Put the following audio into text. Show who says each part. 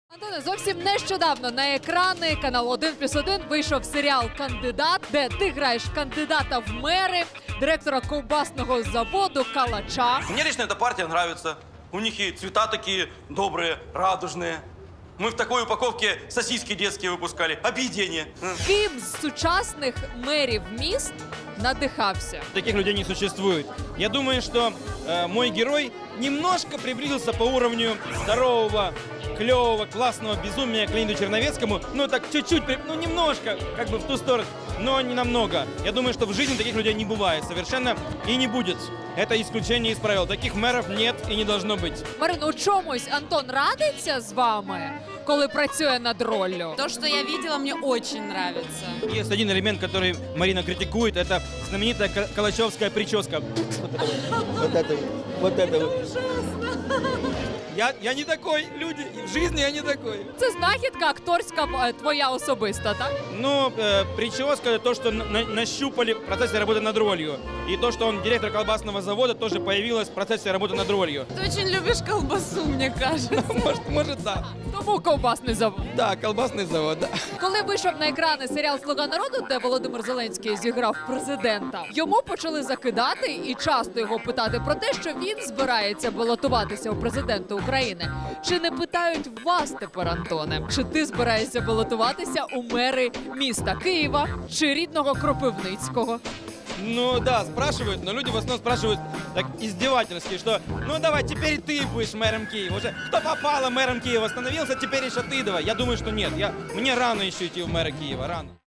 Speaker 1: Антоне, зовсім нещодавно на екрани каналу 1+1 вийшов серіал «Кандидат», де ти граєш кандидата в мери, директора ковбасного заводу Калача.
Speaker 2: Мне лично эта партия нравится. У них и цвета такие добрые, радужные. Мы в такой упаковке сосиски детские выпускали. Объедение.
Speaker 1: Ким з сучасних мерів міст надихався?
Speaker 3: Таких людей не существует. Я думаю, что мой герой немножко приблизился по уровню здорового, клевого, классного безумия к Леониду Черновецкому. Ну, так чуть-чуть, ну, немножко, как бы в ту сторону, но не намного. Я думаю, что в жизни таких людей не бывает совершенно и не будет. Это исключение из правил. Таких мэров нет и не должно быть.
Speaker 1: Марин, у чомусь Антон радиться з вами, коли працює над роллю?
Speaker 4: То, что я видела, мне очень нравится.
Speaker 3: Есть один элемент, который Марина критикует, это знаменитая калачевская прическа. Вот это вот. Я не такой, люди, в жизни я не такой.
Speaker 1: Це знахідка акторська твоя особиста, так?
Speaker 3: Ну, прическа, то, что нащупали в процессе работы над ролью. И то, что он директор колбасного завода, тоже появилось в процессе работы над ролью.
Speaker 4: Ты очень любишь колбасу, мне кажется.
Speaker 3: Может, да.
Speaker 1: Тому ковбасний завод.
Speaker 3: Да, колбасный завод, да.
Speaker 1: Коли вийшов на екрани серіал «Слуга народу», де Володимир Зеленський зіграв президента, йому почали закидати і часто його питати про те, що він збирається балотуватися у президенти України. Чи не питають вас тепер, Антоне? Чи ти збираєшся балотуватися у мери міста Києва чи рідного Кропивницького?
Speaker 3: Ну да, спрашивают, но люди в основном спрашивают так издевательски, что ну давай, теперь ты будешь мэром Киева. Уже кто попало мэром Киева становился, теперь еще ты давай. Я думаю, что нет. Мне рано еще идти в мэра Киева, рано.